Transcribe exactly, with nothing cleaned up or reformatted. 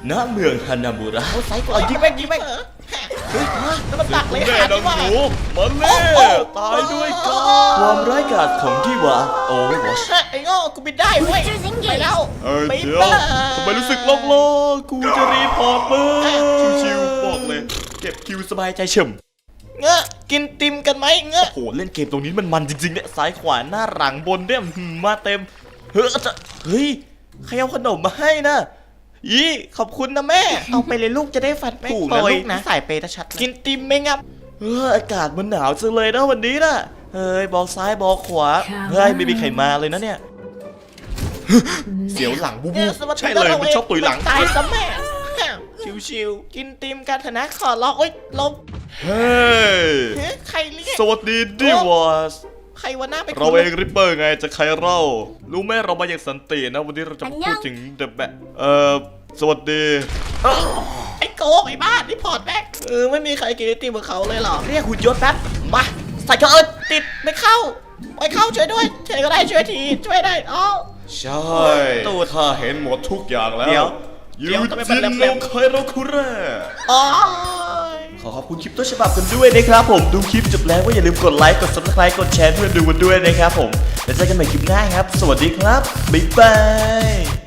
ณเมืองฮานามุระใส่ก่อนยิงแม่งยิงแม่งเฮ้ยแล้วมันตักเลยแน่หาดัดีงว่าหนูมันแน่ตายด้วยกันความร้ายกาจของที่ว่าโอเวอร์วอชไอ้โง่กูบินได้เว้ยไปแล้วเอ้ยไปเดี๋ยวบ้าทำไมรู้สึกโล่งๆกูจะรีพอร์ตมึงชิวๆบอกเลย เก็บคิวสบายใจเฉมเงอะกินติมกันไหมเงอะโหเล่นเกมตรงนี้มันมันจริงๆเนี่ยซ้ายขวาหน้าหลังบนเนี่ยหืมมาเต็มเฮ้ยจะเฮ้ยใครเอาขนมมาให้นะอีขอบคุณนะแม่เอาไปเลยลูกจะได้ฟันแม่งถูกปนะล่อยลูกนะสายเปย์ชัดกินติมไหมงับเอออากาศมันหนาวจังเลยนะวันนี้นะเฮ้ยบอกซ้ายบอกขวาเฮ้ยไม่มีใครมาเลยนะเนี่ยเสียวหลังบูบูเออสวัสดีใช่เลยมันชอบตุยหลังตายซะแม่ชิวๆกินติมกันเถอะนะขอร้องโอ๊ยลมเฮ้ยเฮ้ยใครเรียกสวัสดีดิวอสใครวันหน้าไปเราเองริปเปอร์ไงจะใครเล่ารู้ไหมเรามาอย่างสันตินะวันนี้เราจะมาพูดถึงเดอะแบะเอ่อสวัสดีไอ้โกงไอ้บ้านี่พอร์ตแบ็กเออไม่มีใครกินไอติมกับเขาเลยเหรอเรียกหุ่นยนต์แป๊บมาใส่เถอะเออติดไม่เข้าไม่เข้าช่วยด้วยช่วยก็ได้ช่วยทีช่วยได้อ๋อใช่ตัวข้าเห็นหมดทุกอย่างแล้วเดี๋ยวยูเดี๋ยวทำไมมัจินนแหลโนมๆไคโรคุเร่อ๋อขอขอบคุณคลิปต้นฉบับกันด้วยนะครับผมดูคลิปจบแล้วก็อย่าลืมกดไลค์กด ซับสไครบ์ กดแชร์เพื่อนดูกันด้วยนะครับผมแล้วเจอกันใหม่คลิปหน้าครับ สวัสดีครับบ๊ายบาย